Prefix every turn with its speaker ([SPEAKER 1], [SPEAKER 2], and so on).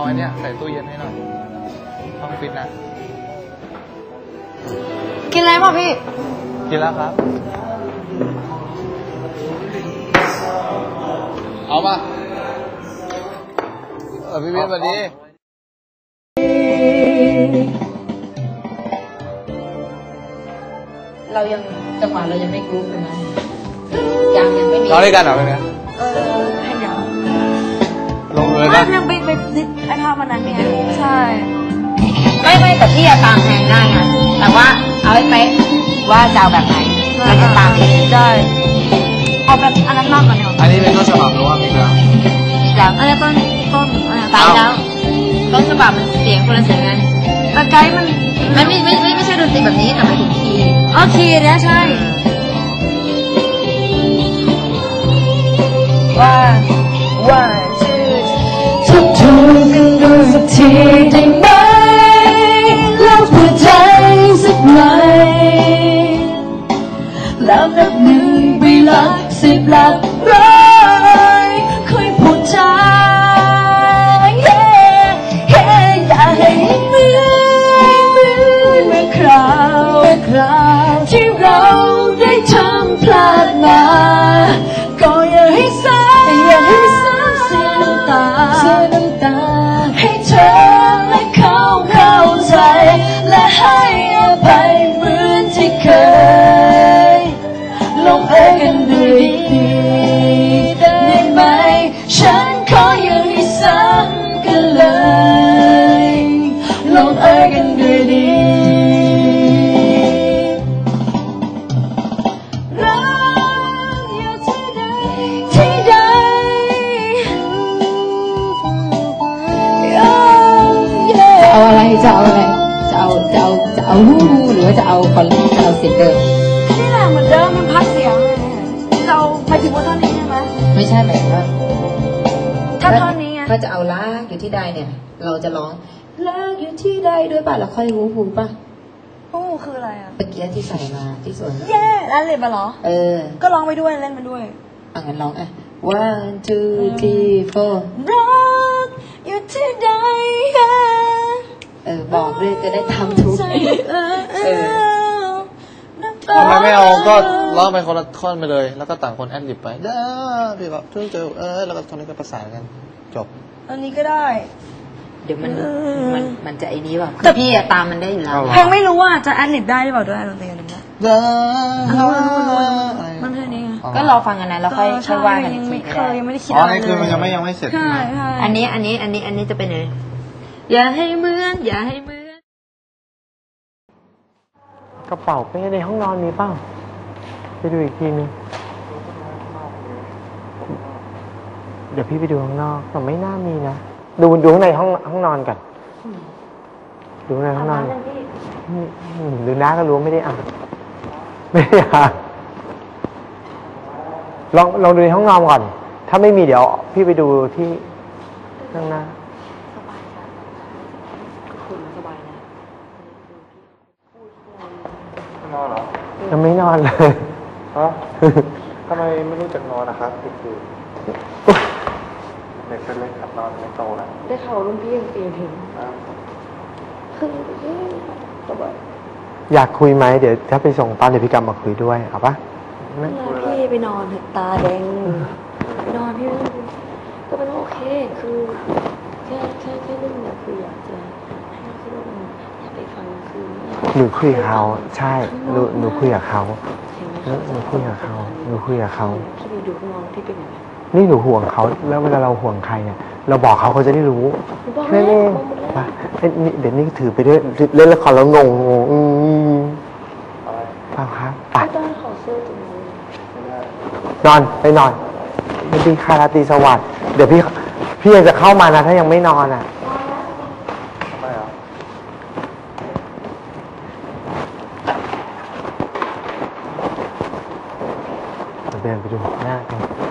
[SPEAKER 1] อันเนี้ยใส่ตู้เย็นให้หน่อยต้องฟิตนะ
[SPEAKER 2] กินอะไรป่ะพี่
[SPEAKER 1] กินแล้วครับเอาป่ะพี่เบนสวัสดี
[SPEAKER 2] เรายังจังหวะเรายังไม่กรุ๊ปเลยนะยังไม่มี
[SPEAKER 1] ร้องด้วยกันเหรอเป็นไง
[SPEAKER 3] ให้เดี๋ยว
[SPEAKER 1] ลงเลยป่ะ
[SPEAKER 3] ยังไปดิสไอภาพวันนั้นเนี่ยใช่
[SPEAKER 2] ไม่แต่พี่อะตามแทนได้ไงแต่ว่าเอาให้เป๊ะว่าจะเอาแบบไหนเราจะตาม
[SPEAKER 3] ได้เอาแบบอันนั้นมากกว่านี้
[SPEAKER 1] อันนี้เป็นต้นฉบับหรือว่ามีแล้ว
[SPEAKER 2] แล้ว
[SPEAKER 3] อันนี้ต้น
[SPEAKER 2] ตายแล้วต้นฉบับมันเสียงคนละเสียงกัน
[SPEAKER 3] แต่ไกด์มัน
[SPEAKER 2] ไม่ใช่ดนตรีแบบนี้แต่หมายถึงคีย์
[SPEAKER 3] คีย์เนี่ยใช่ว่าทบทวนกันดูสักทีได้ไหมแล้วเปิดใจสักหน่อยแล้วนับหนึ่งไปหลักสิบหลักร้อยค่อยพูดจาอย่าให้เหมือนเมื่อคราวที่เราได้ทำพลาดมาก็อย่าให้ซ้ำเสียน้ำตาให้เธอและเขาเข้าใจและให้อภัยเหมือนที่เคยลงเอยกันด้วยดีได้ไหมฉันขออย่าให้ซ้ำกันเลยลงเอยกันด้วยดีรักอยู่ที่ใด
[SPEAKER 2] เอาอะไรจะเอาอะไรจะเอาฮู้หรือว่าจะเอาคอนเราเสียงเดิม
[SPEAKER 3] นี่แหละเหมือนเดิมมันพักเสียงเราไปถึงว่าท่อนนี้ใช่ไหม
[SPEAKER 2] ไม่ใช่หมายถึงว่า
[SPEAKER 3] ถ้าท่อนนี้ไง
[SPEAKER 2] ถ้าจะเอาลากอยู่ที่ใดเนี่ยเราจะร้องลากอยู่ที่ใดด้วยป่ะแล้วค่อยฮู้ป่ะ
[SPEAKER 3] ฮู้คืออะไรอ่ะ
[SPEAKER 2] เมื่อกี้ที่ใส่มาที่สวน
[SPEAKER 3] แย่แล้วเล่นมาเหรอก็ร้องไปด้วยเล่นไปด้วย
[SPEAKER 2] งั้นร้องone two three four
[SPEAKER 3] รักอยู่ที่ใด
[SPEAKER 2] บอกด้วยจะได้ทำถูก
[SPEAKER 1] ทำไมไม่เอาก็ร้องไปคนละท่อนไปเลยแล้วก็ต่างคนแอดลิบไปเด้อพี่ก็ทุกเจอแล้วก็ท่อนนี้ก็ประสานกันจบ
[SPEAKER 3] อันนี้ก็ได้
[SPEAKER 2] เดี๋ยวมันจะไอ้นี้ป่ะแต่พี่ตามมันได้อยู่แล้ว
[SPEAKER 3] เพลงไม่รู้ว่าจะแอดลิบได้หรือเปล่าด้วยดนตรีนั้นมันแค่นี้
[SPEAKER 2] ก็รอฟังกันนะแล้วค่อยว่ากันอีกที
[SPEAKER 3] ยังไม่ได้คิดอะไร
[SPEAKER 1] เลยคือมันยังไม่เสร็จ
[SPEAKER 2] อันนี้จะเป็นไงอย่าให้เหมือน
[SPEAKER 4] กระเป๋าเป้ในห้องนอนมีเปล่าไปดูอีกทีนึงเดี๋ยวพี่ไปดูข้างนอกแต่ไม่น่ามีนะดูข้างในห้องนอนกันดูในห้องนอนดูน้าก็รู้ไม่ได้อ่านลองดูในห้องนอนก่อนถ้าไม่มีเดี๋ยวพี่ไปดูที่ข้างหน้า
[SPEAKER 1] นอนเหรอ
[SPEAKER 4] ยังไม่นอนเลย
[SPEAKER 1] ฮะทำไมไม่รู้จักนอนนะครับคือเด็กเป็นเล็กขับนอนไม่โตนะ
[SPEAKER 3] ได้ข่าวรุ่นพี่ยังตีถึงคือสบาย
[SPEAKER 4] อยากคุยไหมเดี๋ยวถ้าไปส่งตอนเดี๋ยวพี่กลับมาคุยด้วยเอาปะ
[SPEAKER 3] พี่ไปนอนตาแดงไปนอนพี่ไม่ต้องก็เป็นโอเคคือแค่เรื่องเนี่ยคืออยากจะให้เราคิดว่าอยากไปฟังคือ
[SPEAKER 4] หนูคุยกับเขาใช่หนูคุยกับเขาหนูคุยกับเขา
[SPEAKER 3] พี่ไปดูข้างนอกพี่เป็นยังไง
[SPEAKER 4] นี่หนูห่วงเขาแล้วเวลาเราห่วงใครเนี่ยเราบอกเขาจะได้รู้แค่นี้ป่ะเดี๋ยวนี้ถือไปด้วยเล่นละครแล้วงงป่ะครับไปนอนไปนอนไม่ดีค่ะราตรีสวัสดิ์เดี๋ยวพี่ยังจะเข้ามานะถ้ายังไม่นอนอ่ะ
[SPEAKER 1] ทำไมอ่ะ
[SPEAKER 4] เดินไปดูหน้ากัน